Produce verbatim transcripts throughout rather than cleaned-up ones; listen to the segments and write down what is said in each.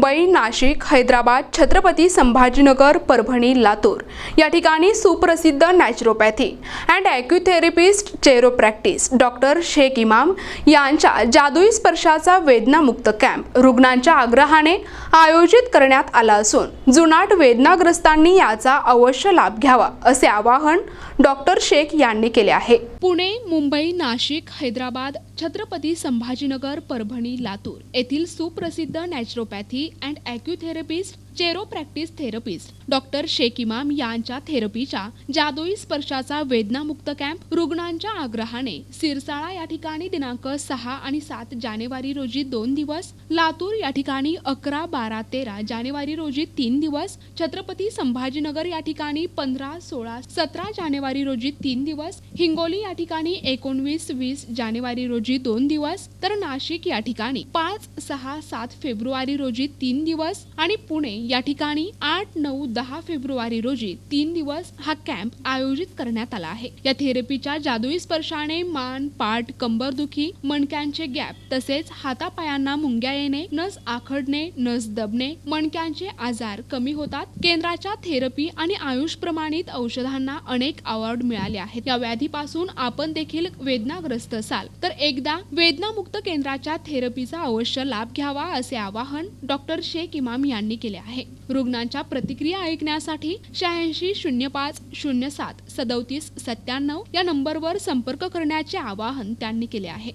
मुंबई, नाशिक, हैदराबाद, छत्रपती संभाजीनगर, परभणी, लातूर या ठिकाणी सुप्रसिद्ध naturopathy and acutherapist chiropractics doctor Shaikh Imam यांच्या जादुई स्पर्शाचा वेदनामुक्त कॅम्प रुग्णांच्या आग्रहाने आयोजित करण्यात आला असून जुनाट वेदनाग्रस्तांनी याचा अवश्य लाभ घ्यावा असे आवाहन डॉक्टर शेख यांनी केले आहे। पुणे, मुंबई, नाशिक, हैदराबाद, छत्रपती संभाजीनगर, परभणी, लातूर येथील सुप्रसिद्ध naturopathy and acutherapist chiropractics therapist doctor Shaikh Imam यांच्या थेरपीच्या जादुई स्पर्शाचा वेदनामुक्त कॅम्प रुग्णांच्या आग्रहाने सिरसाळा या ठिकाणी दिनांक सहा आणि सात जानेवारी रोजी दोन दिवस, लातूर या ठिकाणी अकरा, बारा, तेरा जानेवारी रोजी तीन दिवस, छत्रपती संभाजीनगर या ठिकाणी पंधरा, सोळा, सतरा जानेवारी रोजी तीन दिवस, हिंगोली या ठिकाणी एकोणवीस, वीस जानेवारी रोजी दोन दिवस, तर नाशिक या ठिकाणी पाच, सहा, सात फेब्रुवारी रोजी तीन दिवस आणि पुणे या ठिकाणी आठ, नऊ, दहा फेब्रुवारी रोजी तीन दिवस हा कॅम्प आयोजित करण्यात आला आहे। या थेरपीच्या जादुई स्पर्शाने मान, पाठ, कंबरदुखी, मणक्यांचे गॅप तसेच हातापायांना मुंग्या येणे, नस आखडणे, नस दबणे, मणक्यांचे आजार कमी होतात। केंद्राच्या थेरपी आणि आयुष प्रमाणित औषधांना अनेक अवॉर्ड मिळाले आहेत। या व्याधीपासून आपण देखील वेदनाग्रस्त असाल तर एकदा वेदनामुक्त केंद्राच्या थेरपीचा अवश्य लाभ घ्यावा असे आवाहन डॉक्टर शेख इमाम यांनी केले आहे। रुग्णांच्या प्रतिक्रिया ऐकण्यासाठी शहाऐंशी शून्य पाच शून्य सात सदोतीस सत्त्याण्णव या नंबरवर संपर्क करण्याचे आवाहन त्यांनी केले आहे।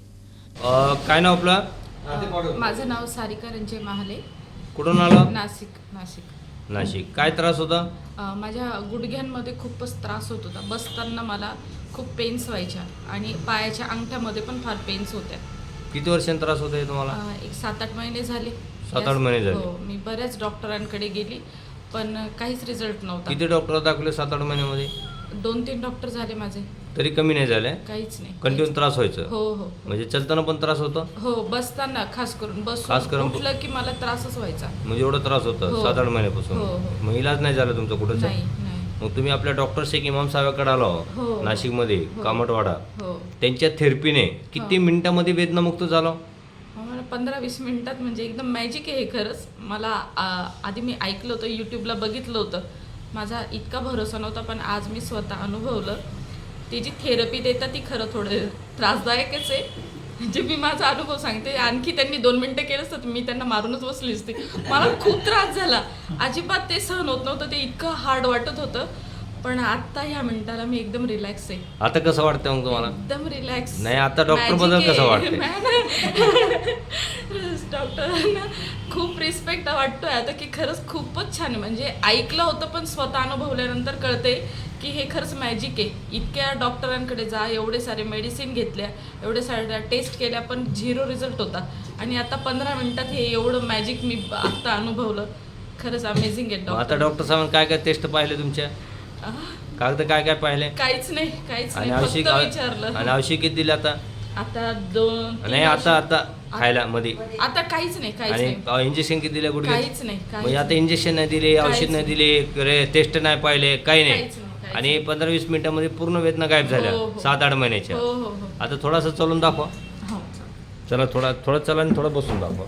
काय नाव आपलं? माझं नाव सारिका रंजय महाले। कुठून आला? नाशिक नाशिक नाशिक। काय त्रास होता? अ, माझ्या गुडघ्यांमध्ये खूपच त्रास होत होता। बसताना मला खूप पेन्स व्हायच्या आणि पायाच्या अंगठ्यामध्ये पण फार पेन्स होत्या। किती वर्षांनी त्रास होता हे तुम्हाला? अ, एक सात आठ महिने झाले। सात आठ महिने झाले? हो, मी बऱ्याच डॉक्टरांकडे गेली पण काहीच रिझल्ट नव्हता। किती डॉक्टर दाखवले सात आठ महिन्यामध्ये? दोन तीन डॉक्टर झाले माझे, तरी कमी नाही झाले? काहीच नाही। कंटिन्यू त्रास व्हायचा? हो हो म्हणजे चलताना पण त्रास होता? हो, बसताना खास करून बस खास करून उठलं की मला त्रासच व्हायचा। म्हणजे एवढा त्रास होता हो. सात आठ महिन्यापासून? हो, हो. मग इलाज नाही झाला तुमचा कुठं? नाही नाही मग तुम्ही आपल्या डॉक्टर शेख इमाम साहेबांकडे आलो हो. नाशिकमध्ये, हो. कामटवाडा, हो, त्यांच्या थेरपीने किती मिनिटांमध्ये वेदनामुक्त झालो? मला पंधरा वीस मिनिटात म्हणजे एकदम मॅजिक आहे हे खरंच। मला आ, आधी मी ऐकलं होतं, यूट्यूबला बघितलं होतं, माझा इतका भरोसा नव्हता पण आज मी स्वतः अनुभवलं। ती जी थेरपी देतात ती खरं थोडं त्रासदायकच आहे। म्हणजे मी माझा अनुभव सांगते, आणखी त्यांनी दोन मिनटं केलं असतं मी त्यांना मारूनच बसली असते। मला खूप त्रास झाला, अजिबात ते सहन होत नव्हतं, ते इतकं हार्ड वाटत होतं। पण आता ह्या मिनिटाला मी एकदम रिलॅक्स आहे। आता कसं वाटतं मग तुम्हाला? एकदम रिलॅक्स नाही, आता डॉक्टर बद्दल कसं वाटतं? डॉक्टरांना खूप रिस्पेक्ट वाटतोय आता की खरंच खूपच छान आहे। म्हणजे ऐकलं होतं पण स्वतः अनुभवल्यानंतर कळते की हे खरंच मॅजिक आहे। इतक्या डॉक्टरांकडे जा, एवढे सारे मेडिसिन घेतल्या, एवढे साऱ्या टेस्ट केल्या पण झिरो रिझल्ट होता आणि आता पंधरा मिनिटात हे एवढं मॅजिक मी आत्ता अनुभवलं। खरंच अमेझिंग आहे डॉक्टर। आता डॉक्टर साहेब काय काय टेस्ट पाहिले तुमच्या? कागद काय काय पाहिले? काहीच नाही काहीच आणि नाही, औषध फक्त विचारलं। आणि औषध किती दिले आता? आता दोन नाही, आता आता खायला मध्ये आता काहीच नाही काहीच नाही आणि इंजेक्शन किती दिले गुडघे? काहीच नाही म्हणजे आता इंजेक्शन नाही दिले, औषध नाही दिले, टेस्ट नाही पाहिले, काही नाही, काहीच नाही, काहीच आणि पंधरा वीस मिनिटांमध्ये पूर्ण वेदना गायब झाल्या हो, हो. सात आठ महिन्याच्या। हो हो हो आता थोडासा चलून दाखवा। हो चला, थोडा थोडा चला आणि थोडं बसून दाखवा।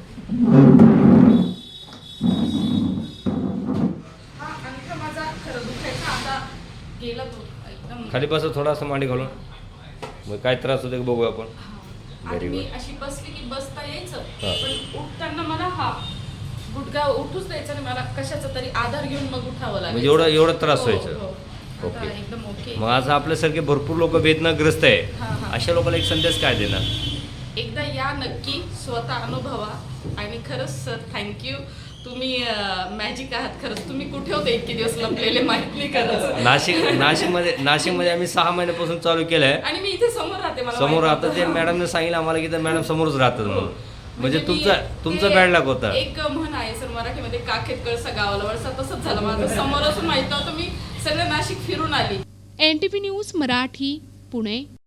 हा, अंगठा माझा खरं दुखायचा, आता गेला तो एकदम। खाली बसा, थोडासा मांडी घालून, मग काय त्रास होते बघू आपण। आणि Very मी good. अशी बसली की बसता यायचं हा. पण उठताना मला हा गुडघा उठूच द्यायचा नाही, मला कशाचा तरी आधार घेऊन मग उठावं लागायचं। म्हणजे एवढा एवढा त्रास हो, व्हायचा? हो. आता ओके. एकदम ओके। मग आज आपल्यासारखे भरपूर लोक वेदनाग्रस्त हा, आहे, हा. अशा लोकांना एक संदेश काय देणार? एकदा या नक्की, स्वतः अनुभवा। आणि खरंच सर थँक्यू, तुम्ही मॅजिक आहात खरंच। तुम्ही कुठे होते इतके दिवस लपलेले माहित नाही खरंच। नाशिक नाशिकमध्ये नाशिकमध्ये आम्ही सहा महिन्यापासून चालू केलं आहे। आणि मी इथे समोर राहते, मला समोर माहित आता ते नव्हतं. मॅडमने सांगितलं आम्हाला की तर मॅडम समोरच राहतात म्हणून, म्हणजे मी- तुमचा तुमचा ते बॅड लक होता। एक म्हण आहे सर मराठीमध्ये, काखेत कळसा गावाला वळसा, तसंच झालं माझं। समोर असून माहित नव्हतं, मी सगळं नाशिक फिरून आली। N T V news Marathi, Pune.